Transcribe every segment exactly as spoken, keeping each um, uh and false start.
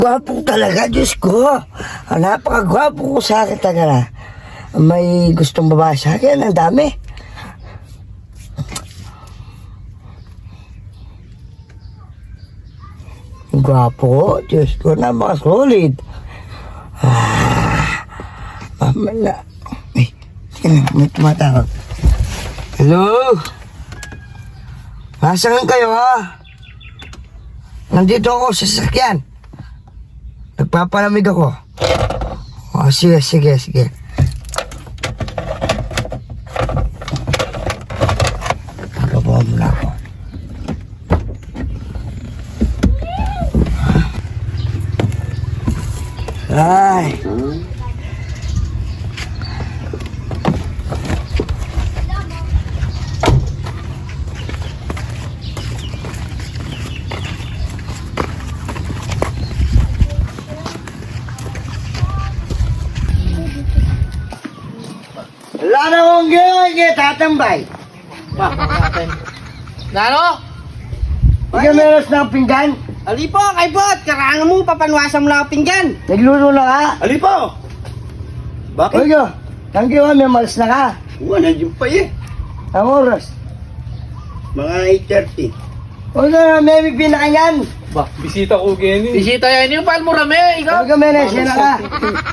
Gwapo talaga, Diyos ko. Ah, napakagwapo ko sa akin talaga. May gustong babae sa akin, ang dami. Gwapo, Diyos ko, napaka-solid. Ah, mamala. Ay, sige lang, may tumatawag. Hello? Nasaan kayo, ha? Nandito ako sa sasakyan. Nagpapalamig ako. O, sige, sige, sige. Pagabawa mo na ako. Ay. Wala na akong gawin, tatambay. Nano? Ikaw meron ng pinggan? Ali po, kay Bot. Karangan mo, papanwasan mo lang ang pinggan. Nagluto na ka? Ali po! Bakit? Oy, yo. Thank you, may malas na ka. Oo, nandiyan pa eh. Ang oras. Mga eight thirty. Huwag na, may pinakanyan. Ba, bisita ko gini. Bisita yan yung pal mo rame, ikaw. Huwag ka may nasya na ka.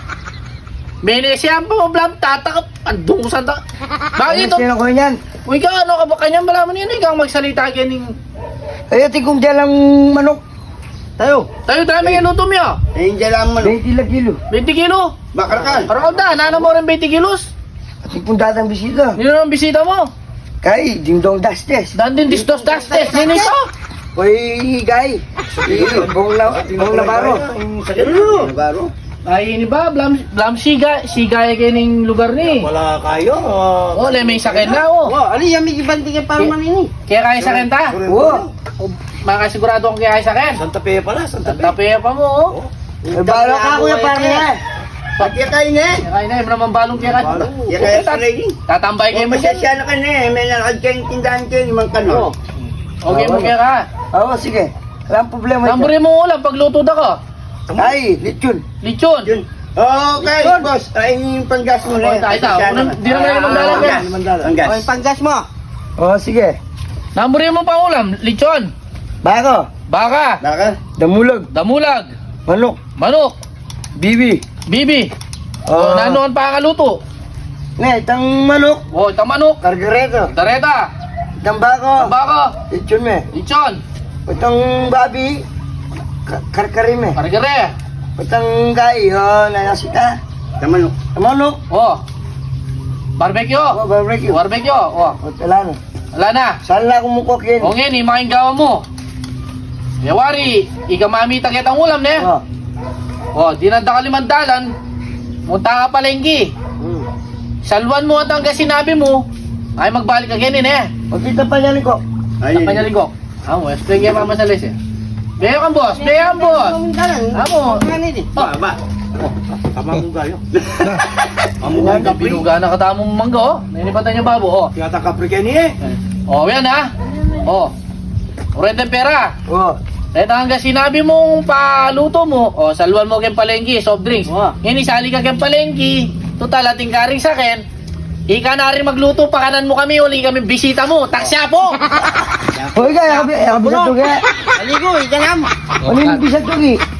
Menesya po, blam, tatakap. Andong santa. Bakit ito? Nasya na ko yan. Uy ka, ano ka ba kanyang malaman yun? Ikaw magsalita ganing. Ay, ati kong dyan lang manok. Tayo! Tayo dami yung luto mo. Ayun dyan lang man. twenty lang kilo. twenty kilo. Bakarakan. Araw da, nana mo rin twenty kilos. Ati kong datang bisita. Yun ang bisita mo. Kay, dingdong dastes. Dandin distos dastes. Sino ito? Uy, gay. Bong la, bong labaro. Ano? Nabaro? Ay, ini ba? Blam, blam siga. Siga yung ganing lugar ni. Wala kayo. Uh, Oh, le may sakit na, oh. oh, ali yan may ibanti ka parang manini. Kaya kaya sakit ta? Oo. Makasigurado kong kaya kaya sakit. Santa Fe pala, Santa Fe. Tapi pa mo, oh. Ay, balo ka, kuya, parang yan. Pati kayo na eh. Kaya na, yung naman balong kaya kaya. Balo. Yan kaya sa lady. Tatambay kayo mo siya. Masasya na ka na eh. May nalakad kayong tindahan kayo, limang kanon. Okay mo kaya ka. Oo, sige. Walang problema ito. Tamburin mo ulam pagluto da ko. Ay, lechon. Lichon. Yun. Okay, boss. Ay, yung panggas mo na Oh, eh. tayo, tayo. Pasensya na Unang- ka. di naman yung magdalag yan. Panggas. Okay, panggas mo. Oo, sige. Tamburin mo pa ulam. Lichon. Bako, Baka. Baka? damulag, Damulag. manok, Manok. bibi. Bibi. Oo. Oh, nanoon pa ang luto. Ne, itang manok, Oh, itang manok. kargareto. Dareta. Itang bako, Baka. lechon me. Lichon. Itang babi, ka- karkarime. Kargare. Itang gai, oh, nanasita. Taman. Itang manok, Oh. Barbecue. oh, barbecue. Barbecue. Oh. O, tala na. Wala na. Saan lang kumukok yun? O ngayon, imaking gawa mo. Yawari, ikamamita kitang ulam ne. Oh. O, dinanda ka limandalan. Munta ka palenggi. Hmm. Salwan mo at hanggang sinabi mo, ay magbalik ka ganin eh. Pagkita pa niya ko. Sa panyaligok. Amo, explain kaya mama sa les eh. Beyo kang boss, beyo kang boss. Amo. Ba, ba. Tama mo gayo. Amo nga ka, binuga na katamong mangga oh. Nainipatan niya babo oh. Tiyata ka prikeni eh. O, yan ha. O. Urenta pera. Oh. Kahit hanggang sinabi mong paluto mo, o salwan mo kayong palengki, soft drinks. Oo. Ngayon isali ka kayong palengki, total ating karing sa akin. Ika na rin magluto, pakanan mo kami, uli kami bisita mo, taksya po! Hoy, kaya ka, kaya ka bisag tugi. Aligo, ika lang. Ano yung bisag tugi?